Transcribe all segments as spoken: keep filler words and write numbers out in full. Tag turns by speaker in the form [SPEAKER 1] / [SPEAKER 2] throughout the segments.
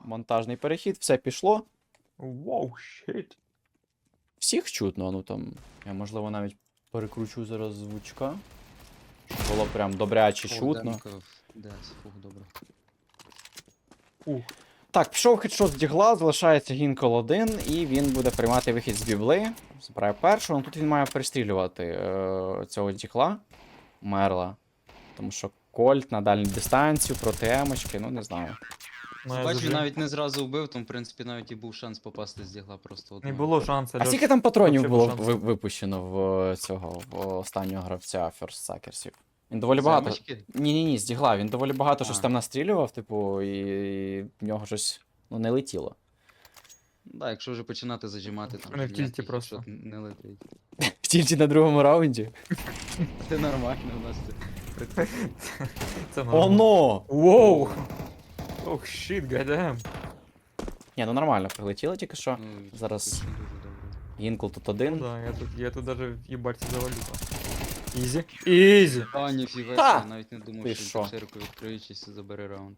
[SPEAKER 1] монтажний перехід, все пішло.
[SPEAKER 2] Воу, щит.
[SPEAKER 1] Всіх чутно, ну там. Я можливо навіть перекручу зараз звучка. Щоб було прям добряче чутно.
[SPEAKER 3] Да, фух, добре.
[SPEAKER 2] Ух.
[SPEAKER 1] Так, пішов хедшот з дігла, залишається Гінкол один, і він буде приймати вихід з бібли. Забирає першого, ну тут він має перестрілювати е цього дігла, Мерла. Тому що Кольт на дальню дистанцію проти емочки, ну не знаю.
[SPEAKER 2] Ну, я
[SPEAKER 3] Бач, він
[SPEAKER 2] зажив.
[SPEAKER 3] навіть не зразу вбив, там, в принципі, навіть і був шанс попасти з дігла просто
[SPEAKER 2] Не
[SPEAKER 3] одного.
[SPEAKER 2] було шансу.
[SPEAKER 1] А
[SPEAKER 2] Льош.
[SPEAKER 1] скільки там патронів
[SPEAKER 2] Вообще
[SPEAKER 1] було
[SPEAKER 2] без шансу.
[SPEAKER 1] ви випущено в цього в останнього гравця First Suckersів? Він доволі
[SPEAKER 3] З
[SPEAKER 1] багато.
[SPEAKER 3] емочки?
[SPEAKER 1] Ні-ні-ні, з дігла. Він доволі багато
[SPEAKER 3] А.
[SPEAKER 1] щось там настрілював, типу, і, і в нього щось ну, не летіло.
[SPEAKER 3] Да, якщо вже починати зажимати, там
[SPEAKER 2] Вони
[SPEAKER 3] вже
[SPEAKER 2] в тільті
[SPEAKER 3] ніяких
[SPEAKER 2] просто.
[SPEAKER 3] хедшот не летить.
[SPEAKER 1] В тільті на другому раунді.
[SPEAKER 3] Це нормально у нас це.
[SPEAKER 2] Це нормально.
[SPEAKER 1] Оно!
[SPEAKER 2] Воу! Ох, щит, гадаєм.
[SPEAKER 1] Ні, ну нормально, прилетіло тільки що.
[SPEAKER 3] Ну,
[SPEAKER 1] Зараз
[SPEAKER 3] це дуже добре.
[SPEAKER 1] Гінкл тут
[SPEAKER 2] Ну
[SPEAKER 1] один.
[SPEAKER 2] да, я тут, я тут даже їбать завалю. Ізі. Ізі.
[SPEAKER 3] А, ніфіга,
[SPEAKER 1] Та!
[SPEAKER 3] я навіть не думав,
[SPEAKER 1] Ти
[SPEAKER 3] що він
[SPEAKER 1] що?
[SPEAKER 3] так широко відкриючись і забере раунд.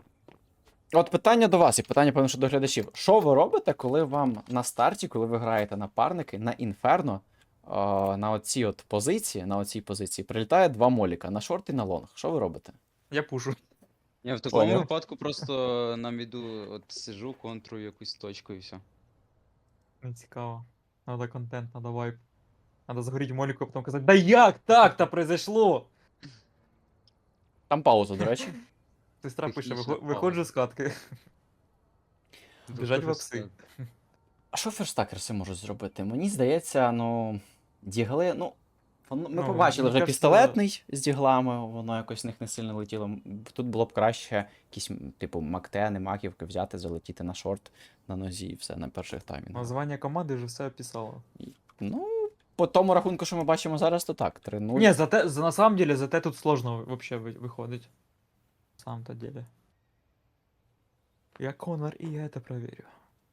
[SPEAKER 1] От питання до вас, і питання, певно, що до глядачів. Що ви робите, коли вам на старті, коли ви граєте напарники, на інферно, е на оцій от позиції, на оцій позиції, прилітає два моліка, на шорт і на лонг. Що ви робите?
[SPEAKER 2] Я пушу.
[SPEAKER 3] Я в такому
[SPEAKER 1] Поняв.
[SPEAKER 3] випадку просто нам іду, от сижу, контрую якусь точку і все.
[SPEAKER 2] Не цікаво. Надо контент, надо вайп. Надо загоріти моліку, а потім казати, да як так-то произошло?
[SPEAKER 1] Там пауза, до речі.
[SPEAKER 2] Сестра пише,
[SPEAKER 3] Технічна
[SPEAKER 2] «Вихо- виходжу з катки. Біжать в апси.
[SPEAKER 1] А що ферстакерси можуть зробити? Мені здається, ну. Дігли, ну. воно- Ми
[SPEAKER 2] Ну,
[SPEAKER 1] побачили
[SPEAKER 2] мені
[SPEAKER 1] вже
[SPEAKER 2] кажется-
[SPEAKER 1] пістолетний з діглами, воно якось в них не сильно летіло. М, Тут було б краще якісь, м, типу, Мактени, маківки взяти, залетіти на шорт на нозі і все на перших таймінгах.
[SPEAKER 2] Названня команди вже все описало.
[SPEAKER 1] Ну, по тому рахунку, що ми бачимо зараз, то так, три нуль.
[SPEAKER 2] Не, зате, за, на самом деле, зате тут сложно вообще вы- выходить. На самом-то деле. Я Конор, и я это проверю.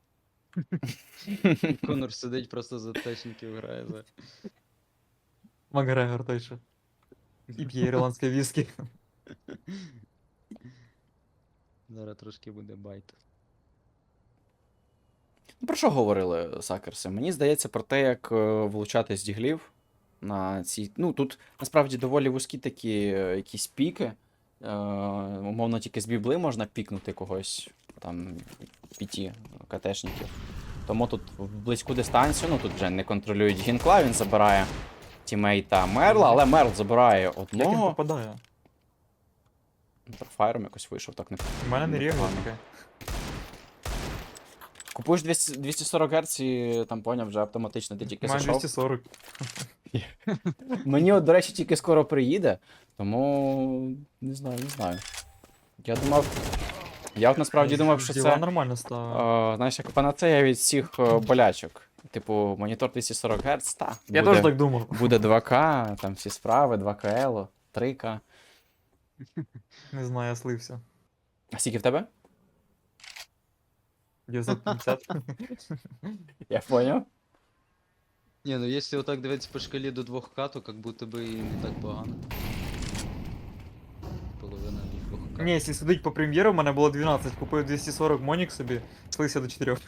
[SPEAKER 3] Конор сидить просто за течників грає за.
[SPEAKER 2] Макгрегор той же. І п'є ірландське віскі.
[SPEAKER 3] Зараз трошки буде байт.
[SPEAKER 1] Ну, про що говорили сакерси? Мені здається про те, як е, влучати з діглів на ці. Ну, тут насправді доволі вузькі такі е, якісь піки. Е, умовно, тільки з бібли можна пікнути когось, там, п'яті КТшників. Тому тут в близьку дистанцію, ну тут вже не контролюють гінкла, він забирає тімейта Мерла, але Мерл забирає
[SPEAKER 2] Як він
[SPEAKER 1] одного.
[SPEAKER 2] попадає?
[SPEAKER 1] Файром якось вийшов, так не.
[SPEAKER 2] У мене не рівно
[SPEAKER 1] непогано.
[SPEAKER 2] таке.
[SPEAKER 1] Купуєш двісті двісті сорок Гц і там поняв, вже автоматично ти
[SPEAKER 2] У
[SPEAKER 1] тільки
[SPEAKER 2] мене
[SPEAKER 1] зайшов.
[SPEAKER 2] двісті сорок.
[SPEAKER 1] Мені, от, до речі, тільки скоро приїде, тому не знаю, не знаю. Я думав. Я от насправді думав, що
[SPEAKER 2] Діла
[SPEAKER 1] це.
[SPEAKER 2] нормально стало.
[SPEAKER 1] О, знаєш, як панацея від всіх о, болячок. Типу, монітор двісті сорок Гц, та.
[SPEAKER 2] Я
[SPEAKER 1] буде,
[SPEAKER 2] теж так думав.
[SPEAKER 1] буде два К, там всі справи, два К Л, три К.
[SPEAKER 2] Не знаю, я слився.
[SPEAKER 1] А скільки в тебе?
[SPEAKER 2] дев'ятсот п'ятдесят.
[SPEAKER 1] Я поняв.
[SPEAKER 3] Ні, ну якщо отак дивитися по шкалі до двох К, то як будто би і не так погано. Половина від двох К.
[SPEAKER 2] Ні, якщо судить по прем'єру, в мене було дванадцять. Купив двісті сорок Монік собі, слився до чотирьох.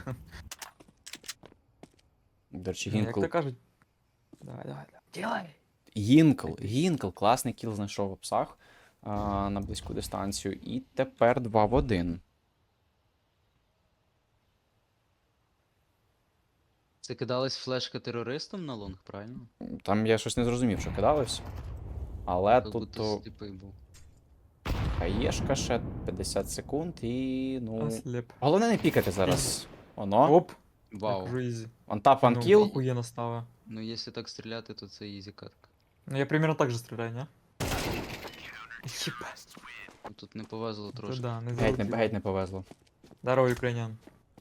[SPEAKER 1] До речі,
[SPEAKER 2] Ну, Як
[SPEAKER 1] Гінкл.
[SPEAKER 2] то кажуть. Давай, давай, давай. Ділай.
[SPEAKER 1] Гінкл, Гінкл, класний кіл знайшов в псах а, на близьку дистанцію. І тепер два в один.
[SPEAKER 3] Це кидалась флешка терористам на лонг, правильно?
[SPEAKER 1] Там я щось не зрозумів, що кидалось. Але
[SPEAKER 3] Як
[SPEAKER 1] тут
[SPEAKER 3] будто
[SPEAKER 1] то
[SPEAKER 3] сліпий був.
[SPEAKER 1] хаєшка ще п'ятдесят секунд і. ну.
[SPEAKER 2] Ослеп.
[SPEAKER 1] Головне не пікати зараз. Оно.
[SPEAKER 2] Оп.
[SPEAKER 3] Вау.
[SPEAKER 2] Так, вже ізі.
[SPEAKER 1] Онтап,
[SPEAKER 2] Ну,
[SPEAKER 1] анкіл.
[SPEAKER 2] охуєнно стало.
[SPEAKER 3] Ну якщо так стріляти, то це ізі катка.
[SPEAKER 2] Ну я примерно так же стреляю, не? Ебать.
[SPEAKER 3] Ну, тут не повезло
[SPEAKER 2] То
[SPEAKER 3] трошки.
[SPEAKER 2] да, не
[SPEAKER 1] Геть не,
[SPEAKER 2] залетіло.
[SPEAKER 1] геть не повезло.
[SPEAKER 2] Здорово, українян.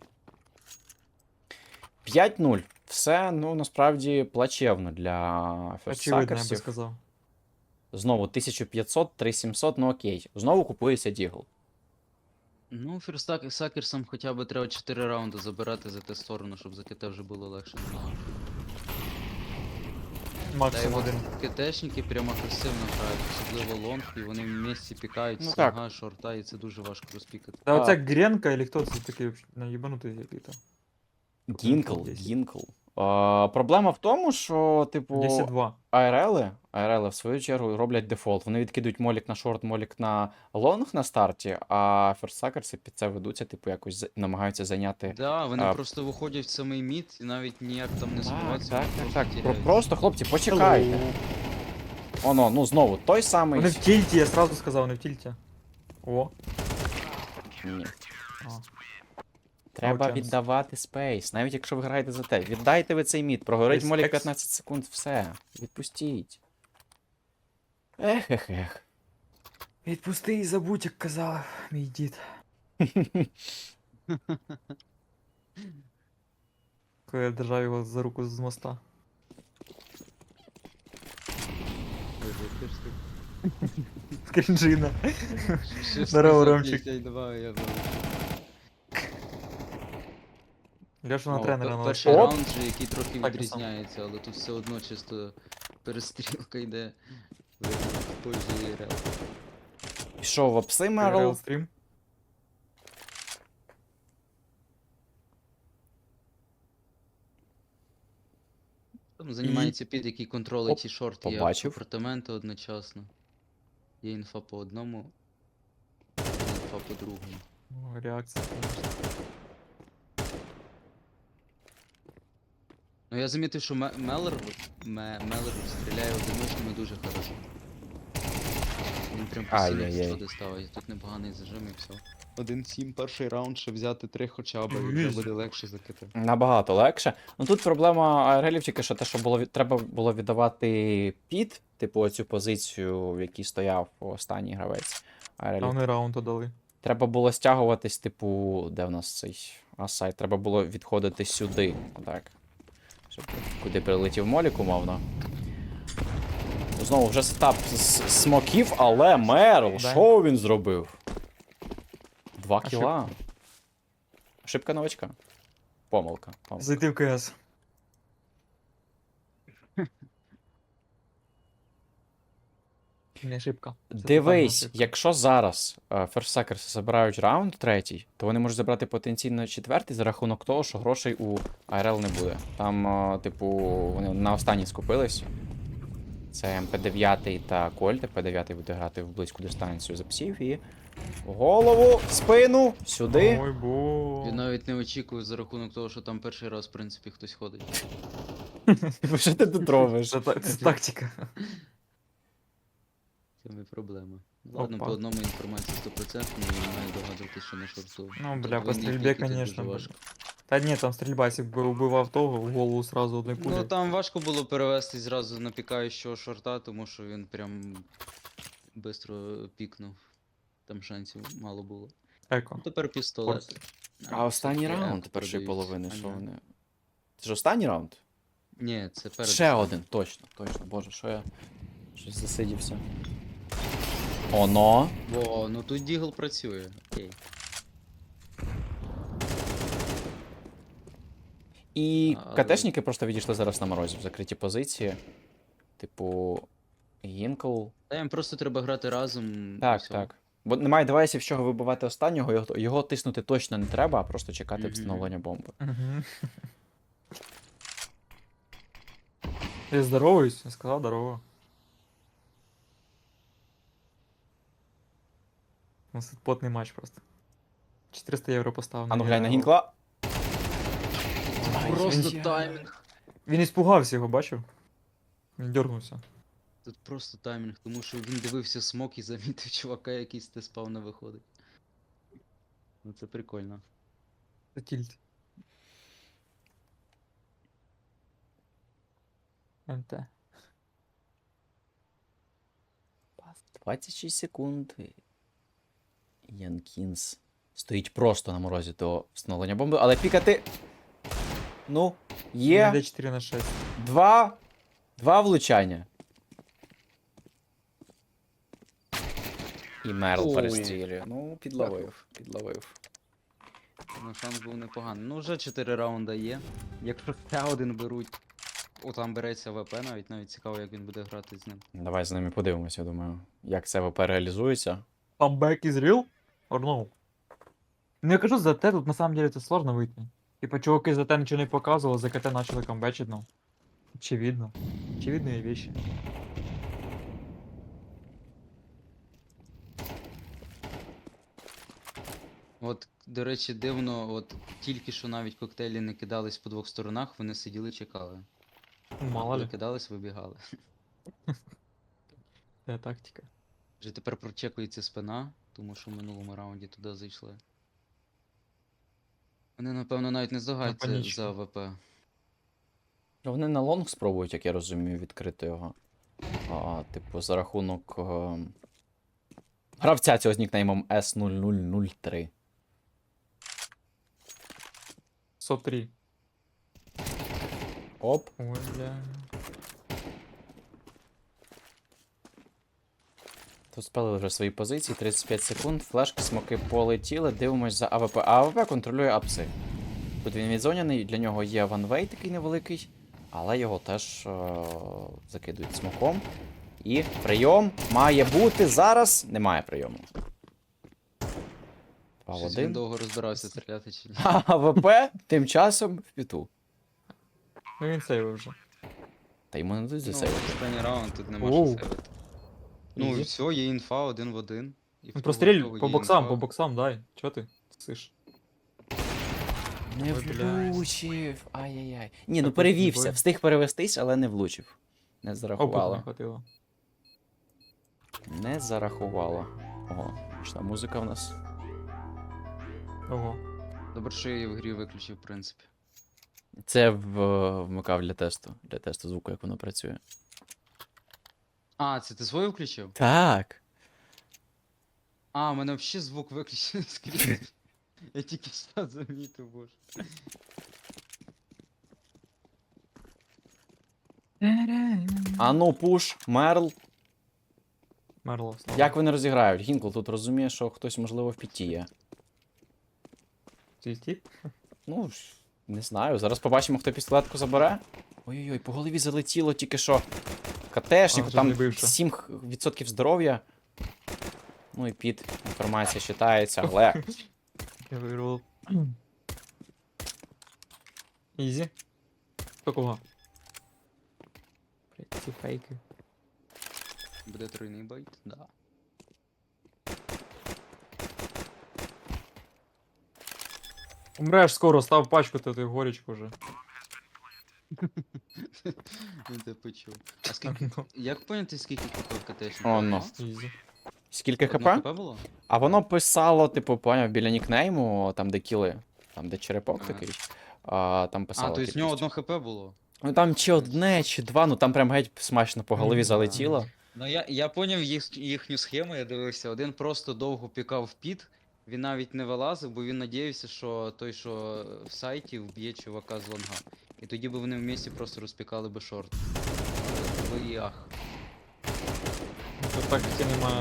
[SPEAKER 1] п'ять нуль. Все, ну, насправді, плачевно для
[SPEAKER 2] Очевидно, я би
[SPEAKER 1] ферстсакерсів.
[SPEAKER 2] сказав.
[SPEAKER 1] Знову тисяча п'ятсот, три тисячі сімсот, ну окей. Знову купується дігл.
[SPEAKER 3] Ну, фірстак сакерсам хоча б треба чотири раунди забирати за те сторону, щоб за КТ вже було легше. Та й
[SPEAKER 2] Максимум
[SPEAKER 3] от
[SPEAKER 2] один.
[SPEAKER 3] КТшники прямо агресивно грають, особливо лонг, і вони в місці пікають
[SPEAKER 1] Ну
[SPEAKER 3] слага, шорта, і це дуже важко розпікати.
[SPEAKER 2] Та
[SPEAKER 1] А.
[SPEAKER 2] оця Гренка, или хто це такий наїбанутий який-то?
[SPEAKER 1] Гінкл,
[SPEAKER 2] десять.
[SPEAKER 1] Гінкл. А, проблема в тому, що, типу,
[SPEAKER 2] десять два.
[SPEAKER 1] АРЛи, АРЛи в свою чергу роблять дефолт. Вони відкидують молік на шорт, молік на лонг на старті, а ферстсакерси під це ведуться, типу, якось за- намагаються зайняти.
[SPEAKER 3] Да, вони
[SPEAKER 1] А.
[SPEAKER 3] просто виходять в самий мід і навіть ніяк там не
[SPEAKER 1] Так,
[SPEAKER 3] сховатися.
[SPEAKER 1] так,
[SPEAKER 3] вони
[SPEAKER 1] так, так.
[SPEAKER 3] просто
[SPEAKER 1] Про-
[SPEAKER 3] тіряються.
[SPEAKER 1] Просто, хлопці, почекайте. Оно, ну знову, той самий.
[SPEAKER 2] Вони в тільті, я сразу сказав, вони в тільті. О.
[SPEAKER 1] Ні.
[SPEAKER 2] А.
[SPEAKER 1] Треба
[SPEAKER 2] No chance.
[SPEAKER 1] віддавати спейс, навіть якщо ви граєте за те. Віддайте ви цей мід, прогорить
[SPEAKER 2] Десь
[SPEAKER 1] молік
[SPEAKER 2] екс.
[SPEAKER 1] п'ятнадцять секунд, все. Відпустіть. Ех, ех, ех.
[SPEAKER 2] Відпусти і забудь, як казав мій дід. Коли я держав його за руку з моста.
[SPEAKER 3] Боже, ти ж ти-
[SPEAKER 2] Крінжина.
[SPEAKER 3] Що
[SPEAKER 2] Здорово,
[SPEAKER 3] сказав,
[SPEAKER 2] Ромчик.
[SPEAKER 3] п'ятдесят два, я був.
[SPEAKER 2] Льоша на
[SPEAKER 3] О,
[SPEAKER 2] тренера
[SPEAKER 3] пе-
[SPEAKER 2] на
[SPEAKER 3] Перший
[SPEAKER 1] Оп.
[SPEAKER 3] раунд же, який трохи
[SPEAKER 2] Так, я сам.
[SPEAKER 3] відрізняється, але тут все одно чисто перестрілка йде в в пользу ІРЛ.
[SPEAKER 1] Пішов в
[SPEAKER 2] Реал
[SPEAKER 1] Обсимерл.
[SPEAKER 2] стрім.
[SPEAKER 3] Там займається під, який контролить і шорт, і
[SPEAKER 1] побачив.
[SPEAKER 3] апартаменти одночасно. Є інфа по одному, є інфа по другому.
[SPEAKER 2] О, реакція, конечно.
[SPEAKER 3] Ну я замітив, що Ме- Меллер, от, Ме- Меллер стріляє одиночками дуже хорошо. Він прям постійно
[SPEAKER 1] Ай-яй-яй.
[SPEAKER 3] сходи ставить, тут непоганий зажим і все. один сім перший раунд, ще взяти три хоча б, і
[SPEAKER 2] Ну,
[SPEAKER 3] вже
[SPEAKER 2] ізі.
[SPEAKER 3] буде легше закити.
[SPEAKER 1] Набагато легше. Ну тут проблема АРЛів тільки що те, що було від- треба було віддавати під, типу, оцю позицію, в якій стояв останній гравець.
[SPEAKER 2] А
[SPEAKER 1] АРЛів.
[SPEAKER 2] вони раунд дали.
[SPEAKER 1] Треба було стягуватись, типу, де в нас цей асайт? Треба було відходити сюди. Отак. Щоб куди прилетів молік, умовно. Знову вже сетап з смоків, але Мерл,
[SPEAKER 2] Да.
[SPEAKER 1] що він зробив? Два
[SPEAKER 2] Ошибка.
[SPEAKER 1] кіла. Ошибка новачка. Помилка. помилка.
[SPEAKER 2] Зайти в КС. Не ошибка. Це тотальна
[SPEAKER 1] Дивись,
[SPEAKER 2] ошибка.
[SPEAKER 1] якщо зараз ферстсакерси забирають раунд третій, то вони можуть забрати потенційно четвертий за рахунок того, що грошей у АРЛ не буде. Там, е, типу, вони на останній скупились. Це ем пі дев'ять та Кольт. ем пі дев'ять буде грати в близьку дистанцію за псів і в голову, в спину, сюди.
[SPEAKER 2] Ой, бо.
[SPEAKER 3] Я навіть не очікую за рахунок того, що там перший раз, в принципі, хтось ходить.
[SPEAKER 1] Що ти тут робиш?
[SPEAKER 2] Це, та- це тактика.
[SPEAKER 3] Це не проблема. Ладно,
[SPEAKER 2] Опа.
[SPEAKER 3] по одному інформації сто відсотків, не маю догадувати, що на шорту.
[SPEAKER 2] Ну,
[SPEAKER 3] Тут
[SPEAKER 2] бля, по
[SPEAKER 3] двойний
[SPEAKER 2] стрільбі,
[SPEAKER 3] пік, і тут
[SPEAKER 2] конечно,
[SPEAKER 3] дуже
[SPEAKER 2] бля.
[SPEAKER 3] важко.
[SPEAKER 2] Та ні, там стрільба, якщо б убивав того, в голову сразу одної пулі.
[SPEAKER 3] Ну там важко було перевести зразу на пікаючого шорта, тому що він прям швидко пікнув. Там шансів мало було.
[SPEAKER 2] Еко.
[SPEAKER 3] Ну, тепер пістолет.
[SPEAKER 2] Форс.
[SPEAKER 1] А останній
[SPEAKER 3] все-таки
[SPEAKER 1] раунд
[SPEAKER 3] еко
[SPEAKER 1] першої
[SPEAKER 3] продають.
[SPEAKER 1] половини,
[SPEAKER 3] А,
[SPEAKER 1] що
[SPEAKER 3] ні.
[SPEAKER 1] вони. Це ж останній раунд?
[SPEAKER 3] Ні, це перед.
[SPEAKER 1] Ще один, точно, точно. Боже, що я щось засидівся. Оно.
[SPEAKER 3] О, ну тут Дігл працює. Окей.
[SPEAKER 1] І
[SPEAKER 3] А, але-
[SPEAKER 1] КТшники просто відійшли зараз на морозі в закриті позиції. Типу. Гінкл.
[SPEAKER 3] Та їм просто треба грати разом. і
[SPEAKER 1] Так,
[SPEAKER 3] все.
[SPEAKER 1] так. Бо немає девайсів, з чого вибивати останнього, його, його тиснути точно не треба, а просто чекати
[SPEAKER 3] Мгм.
[SPEAKER 1] встановлення бомби.
[SPEAKER 2] Угу. Я здороваюсь, я сказав здорово. У нас тут потний матч просто. чотириста євро поставив.
[SPEAKER 1] А ну
[SPEAKER 2] на
[SPEAKER 1] глянь на
[SPEAKER 2] нього.
[SPEAKER 1] Гінкла.
[SPEAKER 3] Просто
[SPEAKER 1] Ай,
[SPEAKER 3] таймінг.
[SPEAKER 2] Він іспугався його, бачив? Він дергнувся.
[SPEAKER 3] Тут просто таймінг, тому що він дивився смок і замітив чувака, який з те-спавна виходить. Ну це прикольно.
[SPEAKER 2] Це тільт. МТ.
[SPEAKER 1] двадцять шість секунд. Янкінс стоїть просто на морозі до встановлення бомби, але пікати. Ну,
[SPEAKER 2] Він
[SPEAKER 1] є
[SPEAKER 2] йде чотири на шість.
[SPEAKER 1] два. Два влучання. І Мерл
[SPEAKER 3] Ой.
[SPEAKER 1] перестрілює. Ну, підловив, підловив.
[SPEAKER 3] Ну шанс був непоганий. Ну вже чотири раунда є. Якщо ще один беруть, О, там береться ВП навіть, навіть цікаво, як він буде грати з ним.
[SPEAKER 1] Давай з ними подивимося, я думаю, як це ВП реалізується.
[SPEAKER 2] Comeback is real? Or no? Ну я кажу, за Т тут на самом деле це сложно вийти. Типа чуваки за Т нічого не показували, за КТ почали камбечить, ну. Очевидно. Очевидные вещи.
[SPEAKER 3] От, до речі, дивно, от тільки що навіть коктейлі не кидались по двох сторонах, вони сиділи, чекали.
[SPEAKER 2] Ну, мало
[SPEAKER 3] Коли
[SPEAKER 2] ли,
[SPEAKER 3] кидались, вибігали.
[SPEAKER 2] це тактика.
[SPEAKER 3] Вже тепер прочекується спина, тому що в минулому раунді туди зайшли. Вони, напевно, навіть не здогадуються
[SPEAKER 2] панічку.
[SPEAKER 3] за ВП.
[SPEAKER 1] Вони на лонг спробують, як я розумію, відкрити його. А, типу, за рахунок е... гравця цього з нікнеймом ес нуль нуль нуль три.
[SPEAKER 2] сто три.
[SPEAKER 1] Оп.
[SPEAKER 2] Ой, бля.
[SPEAKER 1] Тут спалили вже свої позиції, тридцять п'ять секунд, флешки, смоки полетіли, дивимось за АВП. А АВП контролює апси. Тут він відзоняний, для нього є ванвей такий невеликий, але його теж е закидують смоком. І прийом має бути зараз. Немає прийому. Два в
[SPEAKER 3] Щось він
[SPEAKER 1] один.
[SPEAKER 3] довго розбирався, стріляти чи ні.
[SPEAKER 1] А АВП тим часом в піту.
[SPEAKER 2] Ну він сейвив вже.
[SPEAKER 1] Та йому не дадуть
[SPEAKER 3] Ну,
[SPEAKER 1] засейвити.
[SPEAKER 3] останній раунд тут нема
[SPEAKER 2] Оу.
[SPEAKER 3] що сейвити. Ну і
[SPEAKER 2] Ізі.
[SPEAKER 3] все, є інфа один в один. І в
[SPEAKER 2] Ну
[SPEAKER 3] того,
[SPEAKER 2] простріль
[SPEAKER 3] в того
[SPEAKER 2] по
[SPEAKER 3] є
[SPEAKER 2] боксам,
[SPEAKER 3] інфа.
[SPEAKER 2] по боксам, дай. Чо ти? Сиш.
[SPEAKER 1] Не
[SPEAKER 2] Ой, блядь.
[SPEAKER 1] влучив. Ай-яй-яй. Ні, ну
[SPEAKER 2] Так,
[SPEAKER 1] перевівся.
[SPEAKER 2] бой.
[SPEAKER 1] Встиг перевестись, але не влучив. Не
[SPEAKER 2] Опиту не
[SPEAKER 1] зарахувало.
[SPEAKER 2] хватило.
[SPEAKER 1] Не зарахувало. Ого, пішла музика в нас.
[SPEAKER 2] Ого.
[SPEAKER 3] Добре, що я її в грі виключив, в принципі.
[SPEAKER 1] Це в, вмикав для тесту. Для тесту звуку, як воно працює.
[SPEAKER 3] А, це ти свою включив?
[SPEAKER 1] Так.
[SPEAKER 3] А, у мене взагалі звук виключений скрізь. Я тільки що замітив, боже.
[SPEAKER 1] А ну, пуш, Мерл.
[SPEAKER 2] Мерло, слава.
[SPEAKER 1] Як вони розіграють? Гінкл тут розуміє, що хтось, можливо, в піті є.
[SPEAKER 2] Тільки?
[SPEAKER 1] Ну, ж, не знаю. Зараз побачимо, хто пістолетку забере. Ой-ой-ой, по голові залетіло тільки що. КТшник,
[SPEAKER 2] А, вже
[SPEAKER 1] там
[SPEAKER 2] не бився.
[SPEAKER 1] сім відсотків здоров'я. Ну і під інформація читається, але.
[SPEAKER 2] Я вирвав. Ізі. Хто кого? Блять, ці фейки.
[SPEAKER 3] Буде тройний байт? Да.
[SPEAKER 2] Умреш скоро, став пачкати ти горічку вже.
[SPEAKER 3] Він тебе почув. А скільки.
[SPEAKER 2] Ну,
[SPEAKER 3] Як поняти, скільки хп в КТшника?
[SPEAKER 1] О, ну.
[SPEAKER 2] Ізі.
[SPEAKER 1] Скільки
[SPEAKER 3] Одне
[SPEAKER 1] хп?
[SPEAKER 3] хп було?
[SPEAKER 1] А воно писало, типу, поняв, біля нікнейму, там де кіли, там де черепок
[SPEAKER 3] Ага.
[SPEAKER 1] такий. А, там
[SPEAKER 3] А,
[SPEAKER 1] писало.
[SPEAKER 3] то есть в нього
[SPEAKER 1] кількість.
[SPEAKER 3] одно хп було.
[SPEAKER 1] Ну там чи одне, чи два, ну там прям геть смачно по голові
[SPEAKER 2] Мгм.
[SPEAKER 1] залетіло.
[SPEAKER 3] Ну я, я поняв їх, їхню схему, я дивився. Один просто довго пікав в піт, він навіть не вилазив, бо він надіявся, що той, що в сайті, вб'є чувака з лонга. І тоді би вони в місті просто розпікали би шорт. Ви ах.
[SPEAKER 2] Тут тактики немає.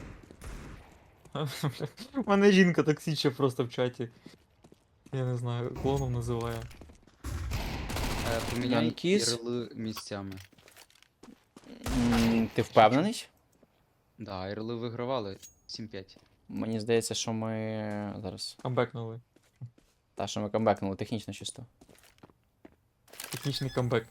[SPEAKER 2] У мене жінка токсична просто в чаті. Я не знаю, клоном називає.
[SPEAKER 3] Е, Поміняй
[SPEAKER 1] Янкіс.
[SPEAKER 3] ірли місцями.
[SPEAKER 1] М, Ти впевнений?
[SPEAKER 3] Да, ірли вигравали сім п'ять.
[SPEAKER 1] Мені здається, що ми. Зараз.
[SPEAKER 2] Камбекнули.
[SPEAKER 1] Та, що ми камбекнули, технічно чисто.
[SPEAKER 2] Технічний камбек.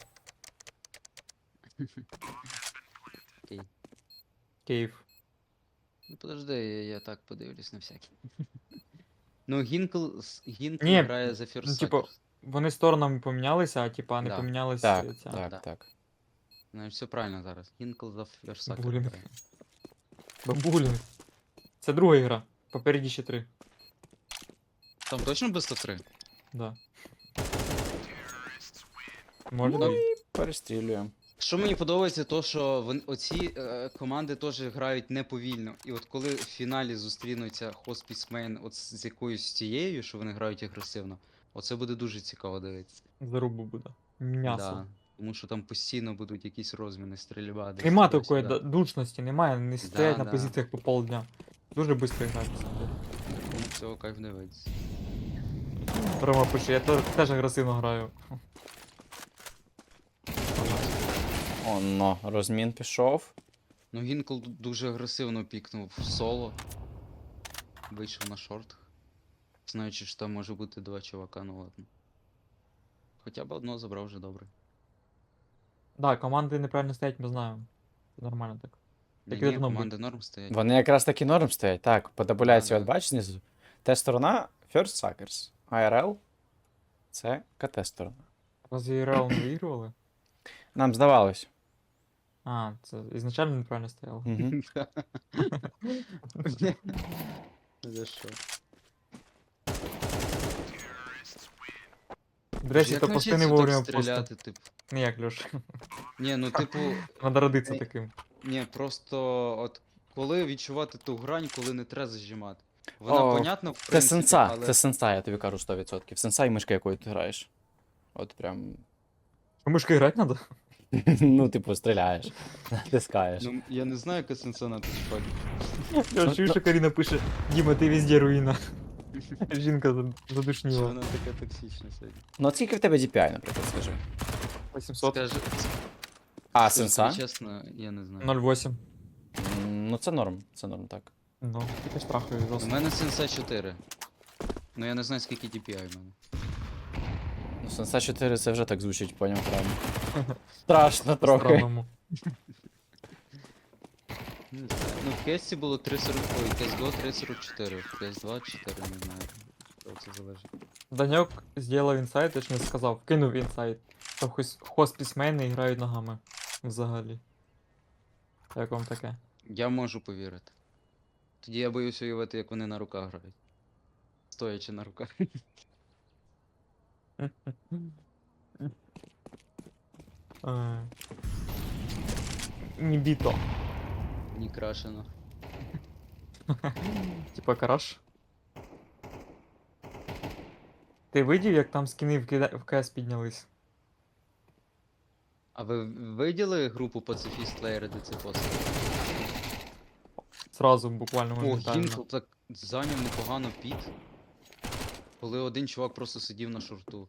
[SPEAKER 3] Окей.
[SPEAKER 2] Кейв.
[SPEAKER 3] Ну подожди, я, я так подивлюсь на всякий. Ну, Гінкл, з- Гінкл
[SPEAKER 2] Ні,
[SPEAKER 3] грає за
[SPEAKER 2] ну,
[SPEAKER 3] First
[SPEAKER 2] типу,
[SPEAKER 3] Suckers.
[SPEAKER 2] Вони сторонами помінялися, а типа не
[SPEAKER 3] Да.
[SPEAKER 2] помінялись
[SPEAKER 1] Так,
[SPEAKER 2] е, ця.
[SPEAKER 1] так,
[SPEAKER 3] да.
[SPEAKER 1] так.
[SPEAKER 3] Ну, все правильно зараз. Гінкл за First Suckers
[SPEAKER 2] Булінг.
[SPEAKER 3] грає.
[SPEAKER 2] Бабулін. Це друга гра. Попереді ще три.
[SPEAKER 3] Там точно без три?
[SPEAKER 2] Да. Може
[SPEAKER 3] Ну,
[SPEAKER 2] дві.
[SPEAKER 1] Перестрілюємо.
[SPEAKER 3] Що мені подобається, то що вони, оці е, команди теж грають неповільно. І от коли в фіналі зустрінуться Хоспісмен от з з якоюсь тією, що вони грають агресивно, оце буде дуже цікаво дивитися.
[SPEAKER 2] Зарубу буде. М'ясо.
[SPEAKER 3] Да. Тому що там постійно будуть якісь розміни, стрільба. десь
[SPEAKER 2] Нема
[SPEAKER 3] туди-сюди.
[SPEAKER 2] такої да- душності, немає, не стоять на
[SPEAKER 3] да.
[SPEAKER 2] позиціях по полдня. Дуже швидко грають. на самом деле.
[SPEAKER 3] Тому цього кайф дивитися.
[SPEAKER 2] Рома пише, я теж, теж агресивно граю.
[SPEAKER 1] Оно, розмін пішов.
[SPEAKER 3] Ну Гінкл ду- дуже агресивно пікнув в соло. Вийшов на шорт. Знаючи, що там може бути два чувака, ну ладно. Хоча б одного забрав вже добре.
[SPEAKER 2] Да, команди неправильно стоять, ми знаємо. Це нормально так.
[SPEAKER 3] Ні,
[SPEAKER 2] Так
[SPEAKER 3] ні,
[SPEAKER 2] должно
[SPEAKER 3] команди норм стоять.
[SPEAKER 1] Вони якраз таки норм стоять. Так, по табуляції,
[SPEAKER 3] Да,
[SPEAKER 1] от
[SPEAKER 3] да.
[SPEAKER 1] бачиш знизу. Т-сторона First Suckers. ай ар ел це КТ-сторона.
[SPEAKER 2] Разве РЛ не виігрували?
[SPEAKER 1] Нам здавалось.
[SPEAKER 2] А, це ізначально неправильно стояло.
[SPEAKER 1] Угу.
[SPEAKER 3] За що?
[SPEAKER 2] До речі,
[SPEAKER 3] Як
[SPEAKER 2] то пости не
[SPEAKER 3] навчитися
[SPEAKER 2] вовремя
[SPEAKER 3] так
[SPEAKER 2] просто.
[SPEAKER 3] стріляти, типу?
[SPEAKER 2] Не як Льош.
[SPEAKER 3] Ні, ну типу,
[SPEAKER 2] Надо родитися
[SPEAKER 3] Ей.
[SPEAKER 2] таким.
[SPEAKER 3] ні, просто от коли відчувати ту грань, коли не треба зажимати. Вона
[SPEAKER 1] О,
[SPEAKER 3] понятна, в
[SPEAKER 1] Це
[SPEAKER 3] принципі,
[SPEAKER 1] сенса,
[SPEAKER 3] але
[SPEAKER 1] це сенса, я тобі кажу сто відсотків. Сенса і мишка, якою ти граєш. От прям.
[SPEAKER 2] А мишкою грати надо?
[SPEAKER 1] Ну, типу, стріляєш, натискаєш.
[SPEAKER 3] ну, я не знаю, яка сенса на тачпаді.
[SPEAKER 2] Я чую, що Каріна пише: Діма, ти везде руїна. Жінка за-
[SPEAKER 3] Що
[SPEAKER 2] задушніла.
[SPEAKER 3] вона така токсична сьогодні?
[SPEAKER 1] Ну, от скільки в тебе ді пі ай, наприклад, скажи.
[SPEAKER 2] вісімсот.
[SPEAKER 3] Скажи,
[SPEAKER 1] А,
[SPEAKER 3] скажу
[SPEAKER 1] сенса?
[SPEAKER 3] тобі чесно, я не знаю.
[SPEAKER 2] ноль вісім.
[SPEAKER 1] М, Ну, це норм, це норм, так.
[SPEAKER 2] Ну, тільки страхою
[SPEAKER 3] У
[SPEAKER 2] жорстко.
[SPEAKER 3] мене сенса чотири. Ну я не знаю, скільки ді пі ай в мене.
[SPEAKER 1] Ну, Сенса чотири це вже так звучить, поняв прям. Страшно трохи.
[SPEAKER 2] Странному.
[SPEAKER 3] Не знаю. Ну в кесті було три сорок, ой, кес го три сорок чотири, в кес два чотири, не знаю. Що це залежить.
[SPEAKER 2] Даньок зробив інсайт, точніше сказав, кинув інсайт, що хось хоспісмени грають ногами. Взагалі. Як вам таке?
[SPEAKER 3] Я можу повірити. Тоді я боюсь уявити, як вони на руках грають. Стоячи на руках.
[SPEAKER 2] Е, Нібіто.
[SPEAKER 3] Ні крашено.
[SPEAKER 2] Типа караш. Ти видів, як там скіни в кида- в КС піднялись?
[SPEAKER 3] А ви виділи групу Pacifist Layer, де це пост?
[SPEAKER 2] Сразу, буквально
[SPEAKER 3] О,
[SPEAKER 2] моментально.
[SPEAKER 3] Гінкл так зайняв непогано піт. Коли один чувак просто сидів на шорту.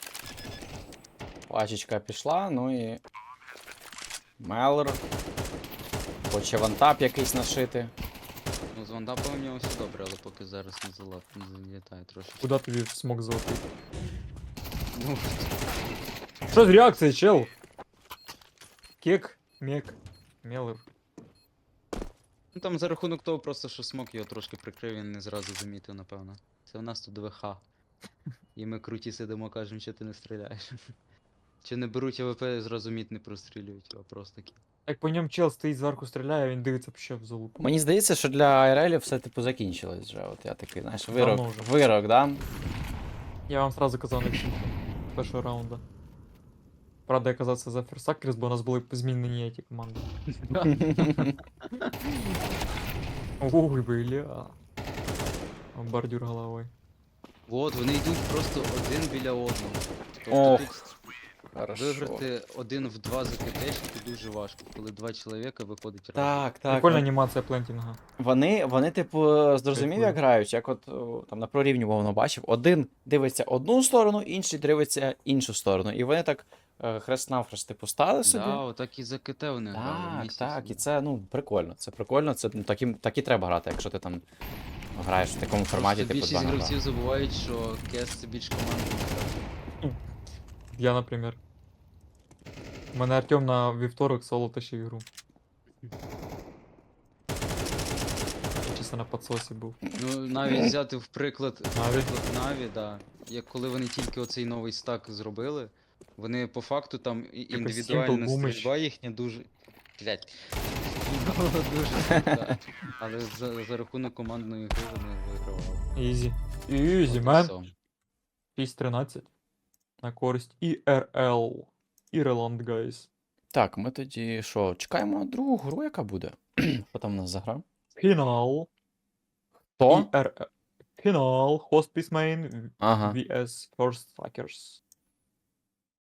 [SPEAKER 1] Пачечка пішла, ну і. Мелор. Хоче вантап якийсь нашити.
[SPEAKER 3] Ну, з вандапом у нього все добре, але поки зараз не залап, не залітає трошечки.
[SPEAKER 2] Куда тобі смог золотий?
[SPEAKER 3] Ну,
[SPEAKER 2] Що з реакцією, чел? Кек, мек, мелер.
[SPEAKER 3] ну там за рахунок того просто, що смок його трошки прикрив, він не зразу замітив, напевно. Це в нас тут ВХ. І ми круті сидимо, кажемо, що ти не стріляєш. Чи не беруть АВП і зразу міт не прострілюють, а просто такі.
[SPEAKER 2] Як по ньому чел стоїть зверху стріляє, він дивиться ще в залупу.
[SPEAKER 1] Мені здається, що для ай ар елів все типу закінчилось вже. От я такий, знаєш, вирок.
[SPEAKER 2] Давно вже.
[SPEAKER 1] Вирок, да?
[SPEAKER 2] Я вам сразу казав на всіх першого раунда. Правда, я казався за Ферсакерс, бо у нас були змінені ті команди. Ой, бля. Бордюр головой.
[SPEAKER 3] От, вони йдуть просто один біля одного. Тобто
[SPEAKER 1] Ох,
[SPEAKER 3] тут
[SPEAKER 1] Хорошо.
[SPEAKER 3] виграти один в два за КТшники дуже важко, коли два чоловіка виходить разом.
[SPEAKER 1] Так, так.
[SPEAKER 2] Прикольна
[SPEAKER 1] вон-
[SPEAKER 2] анімація плентінга.
[SPEAKER 1] Вони, вони, типу, зрозумів,
[SPEAKER 2] Прикольно.
[SPEAKER 1] як грають, як от о, там на прорівні мовно бачив. Один дивиться одну сторону, інший дивиться іншу сторону. І вони так е, хрест-навхрест, типу, стали собі.
[SPEAKER 3] Да, отак і за КТ вони грали.
[SPEAKER 1] Так,
[SPEAKER 3] місяць.
[SPEAKER 1] так, і це ну прикольно. Це прикольно, це ну, таким, так і треба грати, якщо ти там граєш в такому форматі,
[SPEAKER 3] Просто
[SPEAKER 1] типу
[SPEAKER 3] більшість
[SPEAKER 1] два на
[SPEAKER 3] гравців
[SPEAKER 1] два.
[SPEAKER 3] забувають, що КС це більш командна гра.
[SPEAKER 2] Я, наприклад. У мене Артем на вівторок соло тащив ігру. Я чисто на подсосі був.
[SPEAKER 3] Ну, навіть взяти в приклад, в
[SPEAKER 2] Наві?
[SPEAKER 3] приклад Наві, да. Як коли вони тільки оцей новий стак зробили, вони по факту там і-
[SPEAKER 2] Simple
[SPEAKER 3] індивідуальна
[SPEAKER 2] Boomage.
[SPEAKER 3] стрільба їхня дуже. Блять. Дуже крута. Але за, за рахунок командної гри вони вигравали.
[SPEAKER 2] Ізі. Ізі,
[SPEAKER 3] От і
[SPEAKER 2] мен.
[SPEAKER 3] все.
[SPEAKER 2] шість тринадцять. На користь і ар ел. Ірланд, гайс.
[SPEAKER 1] Так, ми тоді що, чекаємо другу гру, яка буде? Хто там у нас заграв?
[SPEAKER 2] Фінал.
[SPEAKER 1] Хто?
[SPEAKER 2] і ар ел. Фінал. Hospice Main
[SPEAKER 1] Ага.
[SPEAKER 2] vs First Fuckers.